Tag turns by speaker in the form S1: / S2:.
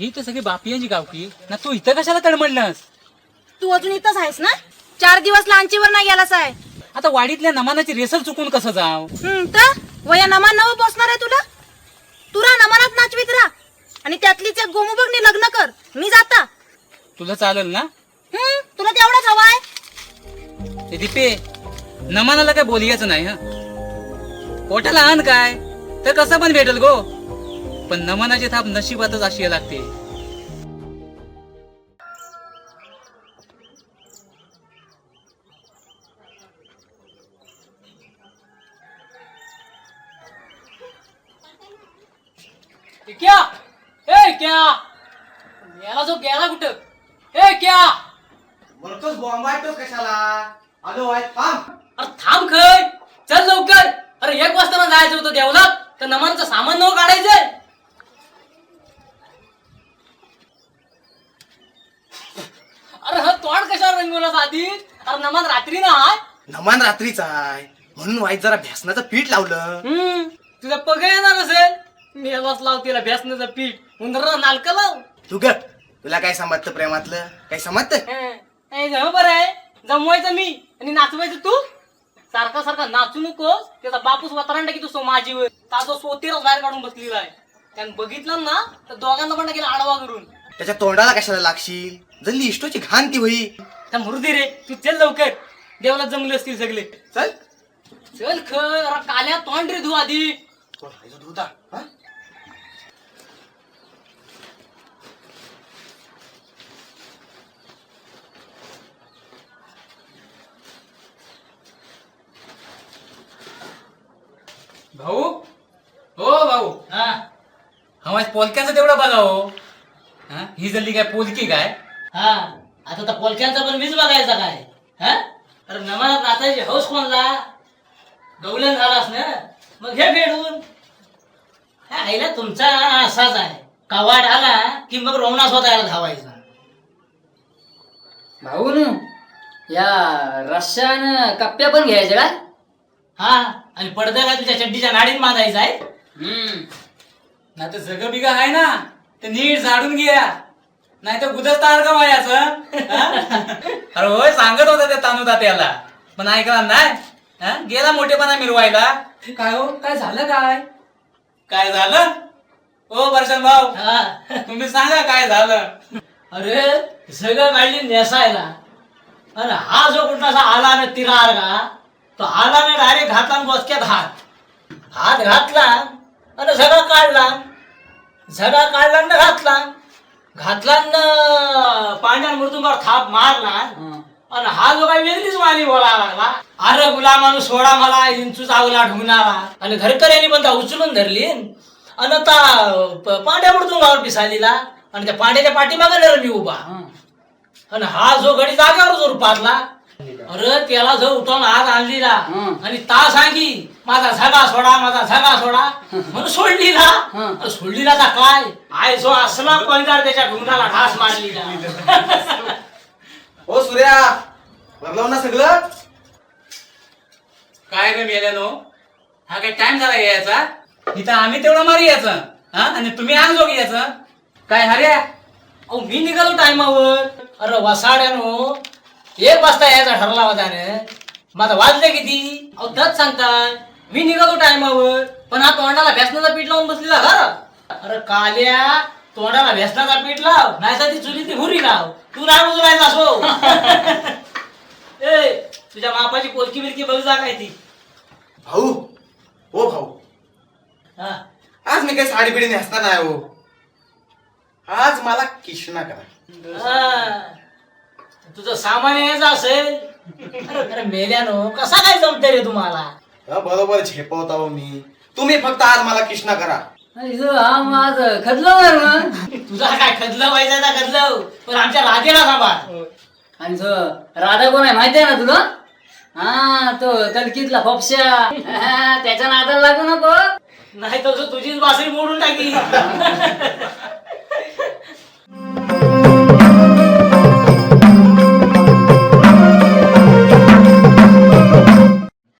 S1: ही तर सगळी बापियांची गावकी ना. तू इथं कशाला तडमडलास?
S2: तू अजून इथंच आहेस ना? 4 दिवस लांचीवर नाही गेलास आहे.
S1: आता वाडीतल्या नमानाची रेसल चुकून कसं जाव?
S2: तर वया नमान नवं पोचणार आहे तुला. तुला नमानात नाचवीत राहा आणि त्यातलीच एक गोमुबगनी लग्न कर. मी जाता.
S1: तुला चालेल ना?
S2: तुला तेवढाच हवाय.
S1: ते दीपे, नमानाला काय बोलियाचं नाही हा. पोटाला आण काय तर कसं पण भेटल गो, पण नमनाची थाप नशिबातच अशी लागते.
S3: क्या ए क्या याला जो गेला कुठं? ए क्या
S4: बोलतोस बॉम्बायतोस कशाला? आलो आहे थांब.
S3: अरे थांब खय, चल लवकर. अरे 1 वाजता जायचं होतं देवलात, तर नमानचं सामान नव काढायचंय. अरे हा तोंड कशावर रंगवलास आधी? अरे नमान रात्री ना हाय.
S4: नमान रात्रीचा आहे म्हणून वाईट जरा भ्यासनाचं पीठ लावलं.
S3: तुझा पग येणार असेल. मेलाच लाव तिला बेसनाचं पीठ, उंदरा नालका लाव.
S4: तू ग तुला काय समजतं प्रेमातलं? काय समजतं?
S3: बरं आहे. जमवायचं मी आणि नाचवायचं तू. सारखा सारखा नाचू नकोस. त्याचा बापूस वतरांडा की तू माझीवर ताजो सोतीरच बाहेर काढून बसलेला आहे. त्यानं बघितलं ना तर दोघांना पण गेला आडवा करून.
S4: त्याच्या तोंडाला कशाला लागशील? जल्ली इष्टोची घाण ती होई.
S3: त्या मुर्दी रे, तू चल लवकर. देवला जमले असतील सगळे.
S4: चल
S3: चल खर काल्या तोंड रे धू आधी.
S4: धुता
S1: भाऊ, हो भाऊ,
S3: हा
S1: हवा पोलक्याचं तेवढं बघा हो. हा, ही जल्ली काय पोलकी काय?
S3: हा आता तर पोलक्यांचा पण मीच बघायचा काय? हा अरे नमानात नाचायची हौस कोणला? गवलन झालास ना, मग हे भेटून. हा आईला तुमचा असाच आहे. कवाड आला की मग रोवणा स्वतःला धावायचा.
S5: भाऊ न या रश्यान कप्प्या पण घ्यायच्या का?
S3: हा आणि पडदा काय तुझ्या चड्डीच्या नाडीत बांधायचा आहे.
S1: ना तर जग बिगा आहे ना, ते नीट झाडून घ्या, नाही तर गुदस्तार का मायाचं. अरे होय सांगत होता त्या तानू तात्याला, पण ऐकला नाही. हा, गेला मोठेपणा मिरवायला. काय हो, काय झालं? काय झालं? ओ वर्षण भाऊ,
S3: हा.
S1: तुम्ही सांगा काय झालं?
S3: अरे सगळं काढली नेसायला आणि हा जो कुठलासा आला ना तिरार का, तो आला ना डायरेक्ट घातला आणि बसक्यात हात घातला आणि झगा काढला. झगा काढला ना घातला ना पांढऱ्या मृदुंगावर थाप मारला आणि हा जो काही वेगळीच माली बोला लागला. अरे गुलामानु सोडा मला, इंचू चावला ढुंगणारा. आणि घरकऱ्यांनी पण त्या उचलून धरली आणि आता पांढ्या मृदुंगावर पिसालीला आणि त्या पांड्याच्या पाठीमागे मी उभा. आणि हा जो घडी जागेवर जोर पाडला. अरे त्याला जो उठवून हात आणलीला आणि ता सांगी माझा झगा सोडा म्हणून सोडलीला का काय आय जो असला कोणकार त्याच्या ढुंगणाला ढास मारलीला.
S4: ओ सूर्या, बदलाव ना सगळं.
S1: काय रे मेल्यानो, हा काय टाइम झाला यायचा? इथं आम्ही तेवढं मारी यायचं, हा, आणि तुम्ही अंग जोगी यायचं काय? हर्या,
S3: अहो मी निघालो टायमावर. अरे वसाड्यानो 1 वाजता यायचा ठरला होता रे. माझा वाजले किती? अहो दच सांगताय. मी निघालो टायमावर, पण हा तोंडाला भेसनाचा पीठ लावून बसलेला घर. अरे काल्या, तोंडाला भेसनाचा पीठ लाव, नाही तर ती चुली ती हुरी लाव. तू नाही उजवायचा असो. ए तुझ्या मापाची पोलकी बिलकी बघ जा काय ती.
S4: भाऊ, ओ भाऊ,
S3: हा
S4: आज मी काही साडी बिडी नेसणार नाही हो. आज मला किशना करा.
S3: हा. तुझं सामान यायचं असेल. अरे मेल्यानो कसा काय जमते रे तुम्हाला?
S4: बरोबर झेपवता हो मी. तुम्ही फक्त आज मला किशना करा.
S5: हा माझं खदलं मग.
S3: तुझा काय खदलं व्हायचं ना खदलं, पण आमच्या राधेला सांभाळ.
S5: आणि तो राधा कोण आहे माहिती आहे ना तुला? हा तो कलकीतला फोपशा. त्याच्या नादाला लागू नको.
S3: नाही तर तुझीच बासरी मोडून टाकी.